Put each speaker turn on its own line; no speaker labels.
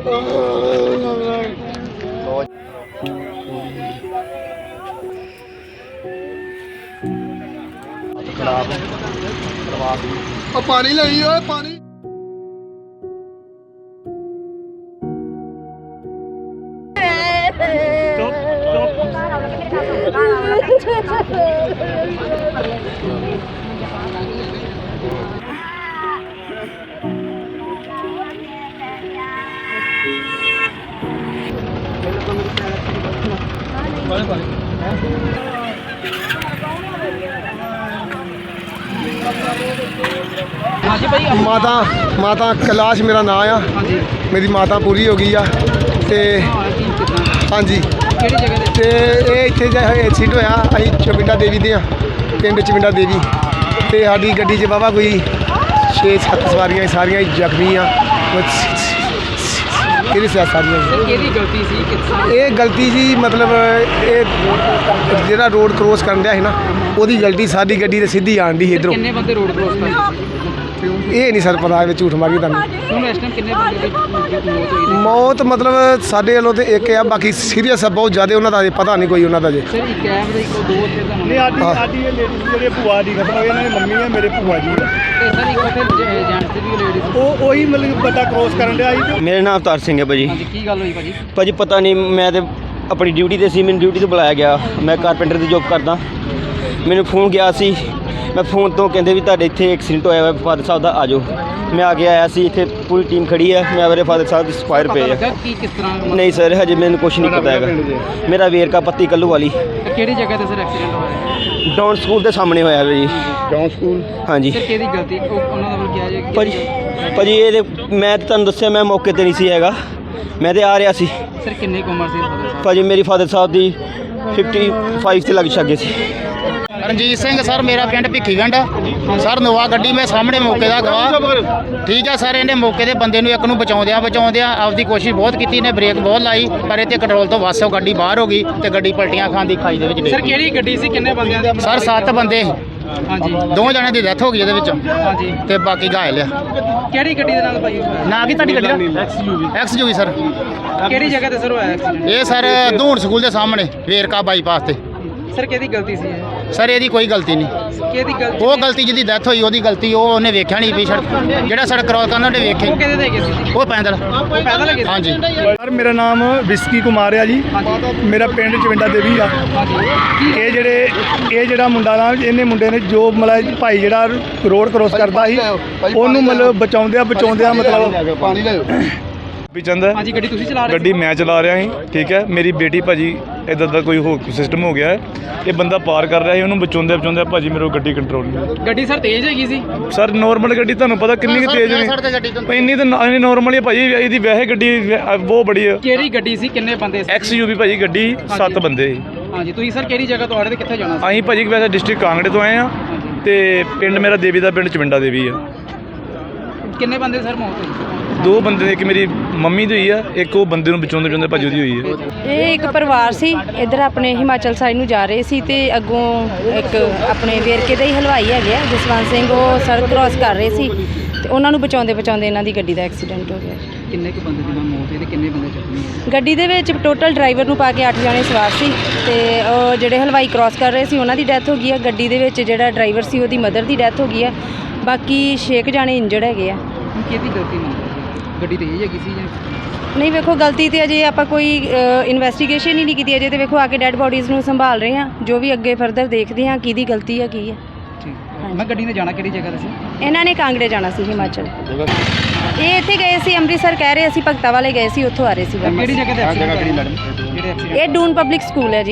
पानी नहीं है पानी। माता कैलाश मेरा नाम आ। मेरी माता पूरी हो गई आ ते हाँ जी ते इत्थे एक्सीडेंट होया। असीं चमिंडा देवी दे पिंड चमिंडा देवी ते साडी गड्डी च बाबा कोई 6-7 सवारियां सारियां जख्मी आ। ये गलती सी मतलब जेड़ा रोड क्रॉस करन दिया ना ओदी गलती। साडी गड्डी ते सीधी आन दी इधरों।
किन्ने बंदे रोड क्रॉस कर
ये नहीं सर पता झूठ मारी तुहानूं। मौत मतलब साडे वालों तो एक है, बाकी सीरियस है बहुत ज़्यादा। उन्होंने अजे पता नहीं कोई उन्होंने अजे।
मेरा नाम अवतार सिंह है भाजी। भाजी पता नहीं, मैं तो अपनी ड्यूटी ते सी, मैंने ड्यूटी तो बुलाया गया। मैं कारपेंटर की जॉब करदा। मैंने फोन किया सी, मैं फोन तो कहते भी तुहाडे इत्थे एक्सीडेंट होया फादर साहब का, आ जाओ। मैं आके आया सी, इत्थे पूरी टीम खड़ी है। मैं मेरे फादर साहब एक्सपायर पे है। नहीं सर हजे मैंने कुछ नहीं पता है। मेरा वेरका पत्ती कल्लू वाली।
किहड़ी जगह ते सर एक्सीडेंट होया?
डाउन स्कूल के सामने होया जी।
डाउन स्कूल
हाँ जी भाजी। ये मैं तुहानूं दस्सिया मैं मौके ते नहीं सी हैगा, मैं तो आ रहा सी।
सर किन्नी उम्र सी
भाजी मेरी फादर साहब की 55 से लग छगे सी।
रणजीत सिंह सर, मेरा पिंड भिखीगंड सर। नोवा गड्डी मैं सामने मौके का गवाह। ठीक है सर, इन्हें मौके के बंदे एक नूं बचाउंदियां आपकी कोशिश बहुत की ने, ब्रेक बहुत लाई पर इत्थे कंट्रोल तो वस गड्डी बाहर हो गई तो गड्डी पलटियां खांदी खाई दे विच।
सर किहड़ी गड्डी सी, किन्ने बंदियां दी?
सर 7 बंदे।
हाँ जी
2 जणिਆਂ ਦੀ ਡੈਥ ਹੋ ਗਈ ਇਹਦੇ ਵਿੱਚ ਤੇ ਬਾਕੀ ਘਾਇਲ ਆ।
ਕਿਹੜੀ ਗੱਡੀ ਦੇ ਨਾਲ ਭਾਈ?
ਨਾ ਕੀ ਤੁਹਾਡੀ ਗੱਡੀ ਦਾ XUV ਸਰ।
ਕਿਹੜੀ ਜਗ੍ਹਾ ਤੇ ਸਰ ਹੋਇਆ ਐਕਸੀਡੈਂਟ?
ਇਹ ਸਰ ਧੂਣ ਸਕੂਲ ਦੇ ਸਾਹਮਣੇ ਵੇਰਕਾ ਬਾਈਪਾਸ ਤੇ।
ਸਰ ਕਿਹਦੀ ਗਲਤੀ ਸੀ ਇਹ?
ਸਰ ਇਹਦੀ ਕੋਈ ਗਲਤੀ ਨਹੀਂ।
ਕਿਹਦੀ ਗਲਤੀ?
ਉਹ ਗਲਤੀ ਜਿਹਦੀ ਡੈਥ ਹੋਈ ਉਹਦੀ ਗਲਤੀ। ਉਹ ਉਹਨੇ ਵੇਖਿਆ ਨਹੀਂ ਵੀ ਸੜਕ ਜਿਹੜਾ ਸੜਕ ਕ੍ਰੋਸ ਕਰਨਾ ਉਹਨੇ ਵੇਖੇ।
ਉਹ ਕਿਹਦੇ ਤੇ ਗਏ ਸੀ?
ਉਹ ਪੈਦਲ
ਗਏ?
ਹਾਂਜੀ
ਸਰ ਮੇਰਾ ਨਾਮ ਵਿਸਕੀ ਕੁਮਾਰ ਆ ਜੀ। ਮੇਰਾ ਪਿੰਡ ਚਵਿੰਡਾ ਦੇਵੀ ਆ। ਇਹ ਜਿਹੜਾ ਮੁੰਡਾ ਨਾ, ਇਹਨੇ ਮੁੰਡੇ ਨੇ ਜੋ ਮਤਲਬ ਭਾਈ ਜਿਹੜਾ ਰੋਡ ਕ੍ਰੋਸ ਕਰਦਾ ਸੀ ਉਹਨੂੰ ਮਤਲਬ ਬਚਾਉਂਦਿਆਂ ਮਤਲਬ
पानी ले
ਚੰਦ ਹੈ।
ਹਾਂਜੀ ਗੱਡੀ ਤੁਸੀਂ ਚਲਾ ਰਹੇ?
ਗੱਡੀ ਮੈਂ ਚਲਾ ਰਿਹਾ ਸੀ। ਠੀਕ ਹੈ, ਮੇਰੀ ਬੇਟੀ ਭਾਜੀ ਇੱਦਾਂ ਦਾ ਕੋਈ ਹੋ ਸਿਸਟਮ ਹੋ ਗਿਆ ਹੈ। ਇਹ ਬੰਦਾ ਪਾਰ ਕਰ ਰਿਹਾ ਸੀ, ਉਹਨੂੰ ਬਚਾਉਂਦੇ ਭਾਜੀ ਮੇਰੇ ਗੱਡੀ ਕੰਟਰੋਲ ਨਹੀਂ।
ਗੱਡੀ ਸਰ ਤੇਜ਼ ਹੈਗੀ ਸੀ?
ਸਰ ਨੋਰਮਲ ਗੱਡੀ ਤੁਹਾਨੂੰ ਪਤਾ ਕਿੰਨੀ ਕੁ ਤੇਜ਼ ਨਹੀਂ, ਇੰਨੀ ਤਾਂ ਨੋਰਮਲ ਹੀ ਭਾਜੀ। ਇਹਦੀ ਵੈਸੇ ਗੱਡੀ ਬਹੁਤ ਬੜੀ ਹੈ।
ਕਿਹੜੀ ਗੱਡੀ ਸੀ, ਕਿੰਨੇ ਬੰਦੇ ਸੀ?
XUV ਭਾਜੀ ਗੱਡੀ 7 ਬੰਦੇ ਸੀ।
ਹਾਂਜੀ ਤੁਸੀਂ ਸਰ ਕਿਹੜੀ ਜਗ੍ਹਾ ਤੋਂ ਆ ਰਹੇ ਤੇ ਕਿੱਥੇ ਜਾਣਾ ਸੀ?
ਅਸੀਂ ਭਾਜੀ ਵੈਸੇ ਡਿਸਟ੍ਰਿਕਟ ਕਾਂਗੜੇ ਤੋਂ ਆਏ ਆ ਤੇ ਪਿੰਡ ਮੇਰਾ ਦੇਵੀ ਦਾ ਪਿੰਡ ਚਵਿੰਡਾ ਦੇਵੀ ਆ।
ਕਿੰਨੇ ਬੰਦੇ ਸਰ ਮੌਤ ਹੋਈ?
2 ਬੰਦੇ, ਇੱਕ ਮੇਰੀ ਮੰਮੀ ਦੀ ਹੋਈ ਆ, ਇੱਕ ਉਹ ਬੰਦੇ ਨੂੰ ਬਚਾਉਂਦੇ ਭਾਜੀ ਉਹਦੀ ਹੋਈ ਹੈ।
ਇਹ ਇੱਕ ਪਰਿਵਾਰ ਸੀ, ਇੱਧਰ ਆਪਣੇ ਹਿਮਾਚਲ ਸਾਈਡ ਨੂੰ ਜਾ ਰਹੇ ਸੀ ਤੇ ਅੱਗੋਂ ਇੱਕ ਆਪਣੇ ਵੇਰਕੇ ਦਾ ਹੀ ਹਲਵਾਈ ਹੈਗੇ ਆ ਜਸਵੰਤ ਸਿੰਘ, ਉਹ ਸੜਕ ਕ੍ਰੋਸ ਕਰ ਰਹੇ ਸੀ ਤੇ ਉਹਨਾਂ ਨੂੰ ਬਚਾਉਂਦੇ ਇਹਨਾਂ ਦੀ ਗੱਡੀ ਦਾ ਐਕਸੀਡੈਂਟ ਹੋ ਗਿਆ।
ਕਿੰਨੇ ਕੁ ਬੰਦੇ ਦੀ ਮੌਤ ਹੋਈ ਤੇ ਕਿੰਨੇ ਬੰਦੇ ਜ਼ਖਮੀ?
ਗੱਡੀ ਦੇ ਵਿੱਚ ਟੋਟਲ ਡਰਾਈਵਰ ਨੂੰ ਪਾ ਕੇ 8 ਜਣੇ ਸਵਾਰ ਸੀ ਤੇ ਉਹ ਜਿਹੜੇ ਹਲਵਾਈ ਕ੍ਰੋਸ ਕਰ ਰਹੇ ਸੀ ਉਹਨਾਂ ਦੀ ਡੈਥ ਹੋ ਗਈ ਆ। ਗੱਡੀ ਦੇ ਵਿੱਚ ਜਿਹੜਾ ਡਰਾਈਵਰ ਸੀ ਉਹਦੀ ਮਦਰ ਦੀ ਡੈਥ ਹੋ ਗਈ ਆ। ਬਾਕੀ 6 ਜਣੇ ਇੰਜਰਡ ਹੈਗੇ ਆ।
ਕਿਹਦੀ ਗਲਤੀ ਮੰਨਦੇ? ਗੱਡੀ ਤੇਜ਼ ਹੈਗੀ ਸੀ ਜਾਂ?
ਨਹੀਂ ਵੇਖੋ ਗਲਤੀ ਤੇ ਅਜੇ ਆਪਾਂ ਕੋਈ ਇਨਵੈਸਟੀਗੇਸ਼ਨ ਹੀ ਨਹੀਂ ਕੀਤੀ ਅਜੇ ਤੇ ਵੇਖੋ ਆ ਕੇ ਡੈੱਡ ਬੋਡੀਜ਼ ਨੂੰ ਸੰਭਾਲ ਰਹੇ ਹਾਂ। ਜੋ ਵੀ ਅੱਗੇ ਫਰਦਰ ਦੇਖਦੇ ਹਾਂ ਕਿਹਦੀ ਗਲਤੀ ਹੈ ਕੀ ਹੈ।
ਮੈਂ ਗੱਡੀ ਨੇ ਜਾਣਾ ਕਿਹੜੀ ਜਗ੍ਹਾ ਤੇ ਸੀ?
ਇਹਨਾਂ ਨੇ ਕਾਂਗੜੇ ਜਾਣਾ ਸੀ ਹਿਮਾਚਲ। ਇਹ ਇੱਥੇ ਗਏ ਸੀ ਅੰਮ੍ਰਿਤਸਰ ਕਹਿ ਰਹੇ ਅਸੀਂ ਭਗਤਾ ਵਾਲੇ ਗਏ ਸੀ, ਉੱਥੋਂ ਆ ਰਹੇ ਸੀ।
ਕਿਹੜੀ ਜਗ੍ਹਾ ਤੇ ਐਕਸੀਡੈਂਟ ਹੋਇਆ?
ਇਹ ਡੂਨ ਪਬਲਿਕ ਸਕੂਲ ਹੈ ਜੀ।